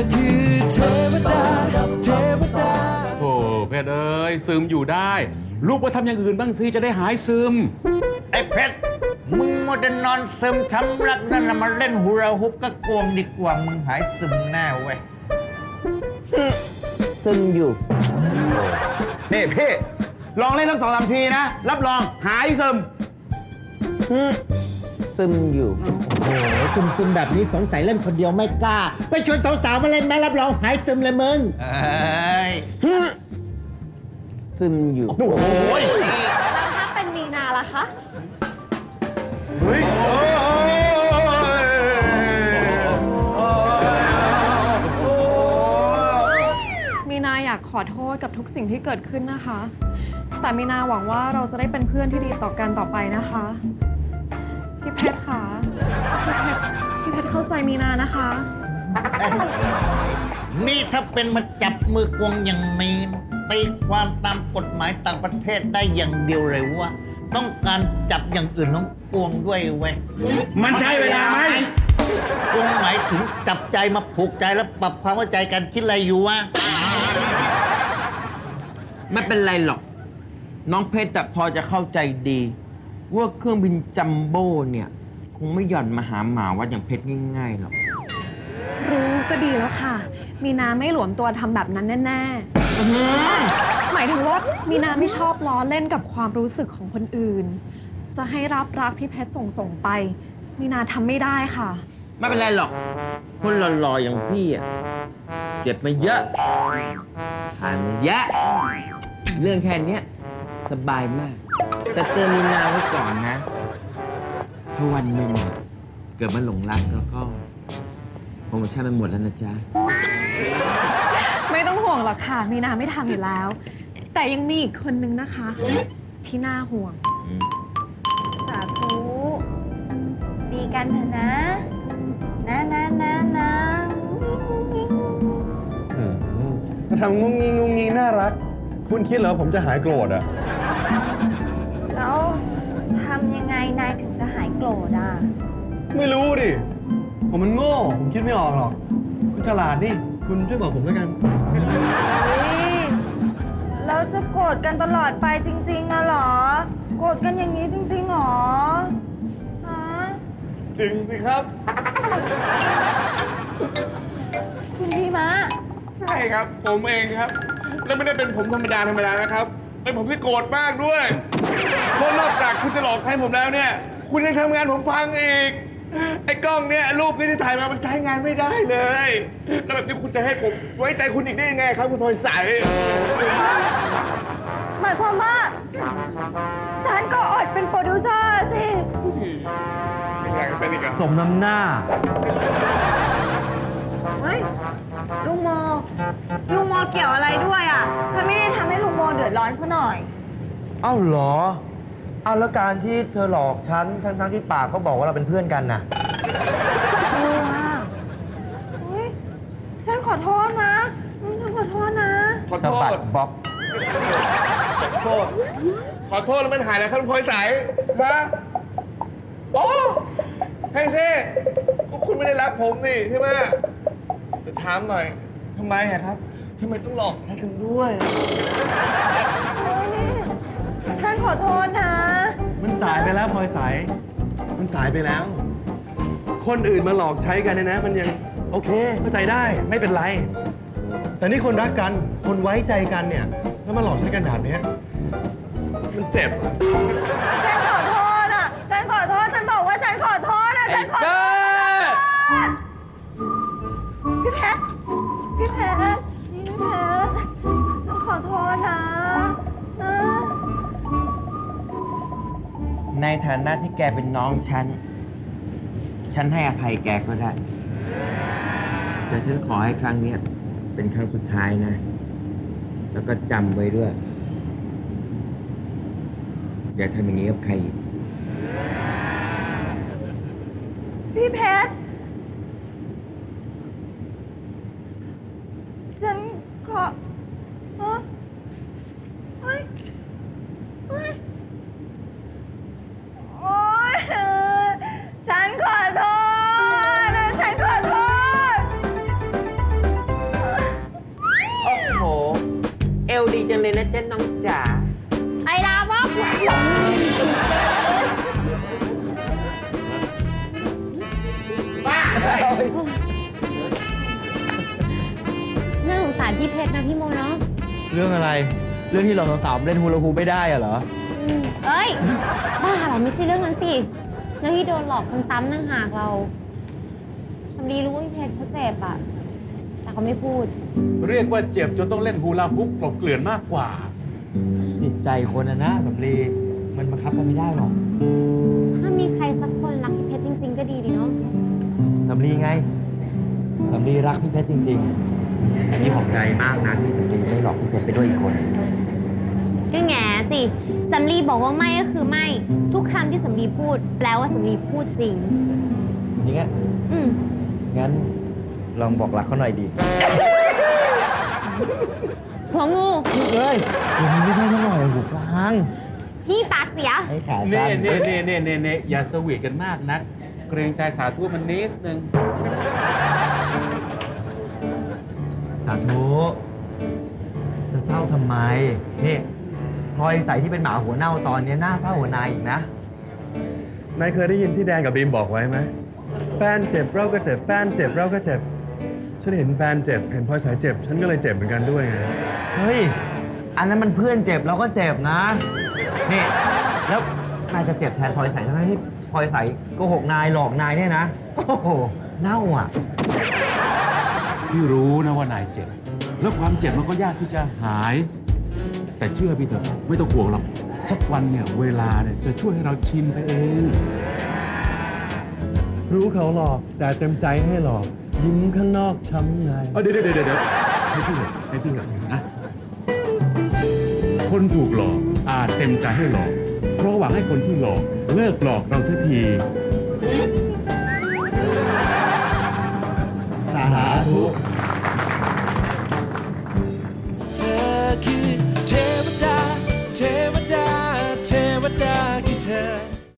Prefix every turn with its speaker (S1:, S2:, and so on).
S1: คือเทวดาเทวดา
S2: โอ้เพชรเอ้ยซึมอยู่ได้ลูกไปทำอย่างอื่นบ้างสิจะได้หายซึม
S3: ไอ้เพชรมึงมัวแต่นอนซึมช้ำรักนั่นละมาเล่นฮูราฮุปก็กวงดีกว่ามึงหายซึมแน่เว้ย
S4: ซึมอยู่
S5: นี่พี่ลองเล่นทั้ง2-3 ทีนะ รับรองหายซึม
S4: ซึมอยู่ โอ้โหซึมแบบนี้สงสัยเล่นคนเดียวไม่กล้า ไปชวนสาวๆมาเล่นไหมรับรองหายซึมเลยมึง
S3: เอ้ย
S4: ซึมอยู่
S5: โอ้โห
S6: แล้วถ้าเป็นมีนาล่ะคะ
S5: เฮ้ย
S6: มีนาอยากขอโทษกับทุกสิ่งที่เกิดขึ้นนะคะ แต่มีนาหวังว่าเราจะได้เป็นเพื่อนที่ดีต่อกันต่อไปนะคะ พี่เพชรคะพี่เพชรเข้าใจมีนานะคะ
S3: นี่ถ้าเป็นมาจับมือกวงอย่างนี้ตีความตามกฎหมายต่างประเทศได้อย่างเดียวเลยว่า ต้องการจับอย่างอื่นของกวงด้วยเว้ย
S5: มันใช่เวลาไหม
S3: กวงหมายถึงจับใจมาผูกใจแล้วปรับความเข้าใจกันคิดอะไรอยู่วะ
S4: ไม่เป็นไรหรอก น้องเพชรแต่พอจะเข้าใจดี ว่าเครื่องบินจัมโบ้เนี่ย คงไม่หย่อนมาหาหมาวัดอย่างเพชรง่ายๆหรอก
S6: รู้ก็ดีแล้วค่ะ มีนาไม่หลวมตัวทำแบบนั้นแน่ๆหมายถึงว่ามีนาไม่ชอบล้อเล่นกับความรู้สึกของคนอื่น จะให้รับรักพี่เพชรส่งไป มีนาทำไม่ได้ค่ะ
S4: ไม่เป็นไรหรอก คนหล่อๆอย่างพี่อ่ะเจ็บมาเยอะผ่านมาเยอะเรื่องแค่เนี้ยสบายมาก แต่เตือนมีนาไว้ก่อนนะถ้าวันหนึ่งเกิดมาหลงรักแล้วก็โปรโมชั่นมันหมดแล้วนะจ๊ะ
S6: ไม่ต้องห่วงหรอกค่ะ มีนาไม่ทำอยู่แล้ว แต่ยังมีอีกคนนึงนะคะ ที่น่าห่วง
S7: สาธุดีกันเถอะนะนะ
S5: ทำงุ้งงิงน่ารัก คุณคิดเหรอผมจะหายโกรธอ่ะ
S7: แล้วทำยังไงนายถึงจะหายโกรธอ่ะ
S5: ไม่รู้ดิ ผมมันโง่ ผมคิดไม่ออกหรอก คุณฉลาดนี่ คุณช่วยบอกผมแล้วกัน
S7: เราจะโกรธกันตลอดไปจริงๆอะเหรอ โกรธกันอย่างนี้จริงๆหรอฮะ
S5: จริงสิครับ
S7: คุณพี่มะ
S8: ใช่ครับ ผมเองครับ แล้วไม่ได้เป็นผมธรรมดานะครับ เป็นผมที่โกรธมากด้วย เพราะนอกจากคุณจะหลอกใช้ผมแล้วเนี่ย คุณยังทำงานผมพังอีก ไอ้กล้องเนี่ยรูปที่ถ่ายมามันใช้งานไม่ได้เลย แล้วแบบนี้คุณจะให้ผมไว้ใจคุณอีกได้ยังไงครับคุณพลอยใส
S7: หมายความว่า ฉันก็อดเป็นโปรดิวเซอร์สิ
S8: ไม่อยากจะเป็นอีกอะ
S4: สมน้ำหน้า
S7: เฮ้ย ลุงโมเกี่ยวอะไรด้วยอ่ะเธอไม่ได้ทำให้ลุงโมเดือดร้อนซะหน่อย
S9: เอ้าเหรอ เอาแล้วการที่เธอหลอกฉันทั้งที่ปากก็บอกว่าเราเป็นเพื่อนกันน่ะ
S7: เฮ้ย ฉันขอโทษนะ ฉันขอโทษนะ
S8: ขอ
S9: สะ
S8: โท
S9: บัด
S8: ษ
S9: บ๊อบ
S8: ขอโทษแล้วมันหายแล้วครับคุณพลอยใสฮะโอ้ให้เซ่ก็คุณไม่ได้รักผมนี่ใช่ไหมแต่ถามหน่อยทำไมอะครับทำไมต้องหลอกใช้กันด้วย
S7: ฉันขอโทษนะ
S5: มันสายไปแล้วพลอยสาย มันสายไปแล้ว คนอื่นมาหลอกใช้กันเนี่ยนะ มันยังโอเคเข้าใจได้ไม่เป็นไร แต่นี่คนรักกัน คนไว้ใจกันเนี่ย แล้วมาหลอกใช้กันแบบเนี้ยมันเจ็บอะ
S7: ฉันขอโทษอ่ะ ฉันขอโทษ ฉันบอกว่าฉันขอโทษอ่ะ ฉันขอโทษพี่เพชรนี่พี่เพชรฉันขอโทษนะนะ
S4: ในฐานะที่แกเป็นน้องฉันให้อภัยแกก็ได้ แต่ฉันขอให้ครั้งเนี้ยเป็นครั้งสุดท้ายนะ แล้วก็จำไว้ด้วย อย่าทำอย่างนี้กับใครอีก
S7: พี่เพชรฉันขอฮะเฮ้ยโอ๊ยฉันขอโทษ ฉันขอโทษ
S4: จังเลยนะจ๊ะน้องจ๋า
S7: ไอ้ลามกน่าสงสารพี่เพชรนะพี่โมเนาะ
S9: เรื่องอะไร เรื่องที่เราสาวๆเล่นฮูลาฮูปไม่ได้อะเหรอ
S7: เอ้ย บ้าเหรอไม่ใช่เรื่องนั้นสิเรื่องที่โดนหลอกซ้ำๆนั่งหากเราสำลีรู้ว่าพี่เพชรเขาเจ็บอะแต่เขาไม่พูด
S2: เรียกว่าเจ็บจนต้องเล่นฮูลาฮุปกลบเกลื่อนมากกว่า
S9: จิตใจคนนะสำลีมันบังคับกันไม่ได้หรอก
S7: ถ้ามีใครสักคนรักพี่เพชรจริงๆก็ดีดีเนาะ
S9: สำลีไง สำลีรักพี่เพชรจริงๆพี่ขอบใจมากนะที่สำลีไม่หลอกพี่เพชรไปด้วยอีกคน
S7: ก็แง่สิสำลีบอกว่าไม่ก็คือไม่ ทุกคำที่สำลีพูด แปลว่าสำลีพูดจริง
S9: อย่างเงี้ย
S7: อืม
S9: งั้นลองบอกรักเขาหน่อยดี
S7: หัวงู
S9: เฮ้ยอย่างนี้ไม่ใช่เท่าไหร่หูกลาง
S7: พี่ปากเสีย
S9: ให้ขา
S2: เน่
S9: สั้น
S2: เน่เน่เน่เน่เน่อย่าสวีทกันมากนัก เกรงใจสาธุมันนิดนึง
S9: สาธุจะเศร้าทำไม นี่พลอยใสที่เป็นหมาหัวเน่าตอนนี้น่าเศร้าหัวนายอีกนะ
S5: นายเคยได้ยินที่แดนกับบีมบอกไว้ไหมแฟนเจ็บเราก็เจ็บ แฟนเจ็บเราก็เจ็บ ฉันเห็นแฟนเจ็บ เห็นพลอยสายเจ็บ ฉันก็เลยเจ็บเหมือนกันด้วยไง
S9: เฮ้ย อันนั้นมันเพื่อนเจ็บเราก็เจ็บนะ นี่ แล้วนายจะเจ็บแทนพลอยใสทั้งที่พลอยใสโกหกนายหลอกนายเนี่ยนะ โอ้โห เน่าอ่ะ
S2: พี่รู้นะว่านายเจ็บ แล้วความเจ็บมันก็ยากที่จะหาย แต่เชื่อพี่เถอะไม่ต้องห่วงหรอก สักวันเนี่ยเวลาเนี่ยจะช่วยให้เราชินไปเอง
S5: รู้เขาหลอก แต่เต็มใจให้หลอก ยิ้มข้างนอกช้ำใน
S2: เดี๋ยวให้พี่ก่อนให้พี่ก่อนนะ คนถูกหลอกอาจเต็มใจให้หลอก เพราะหวังให้คนที่หลอกเลิกหลอกเราเสียที
S5: สาธุ
S1: เธอคือเทวดา เทวดา เทวดาคือเธอ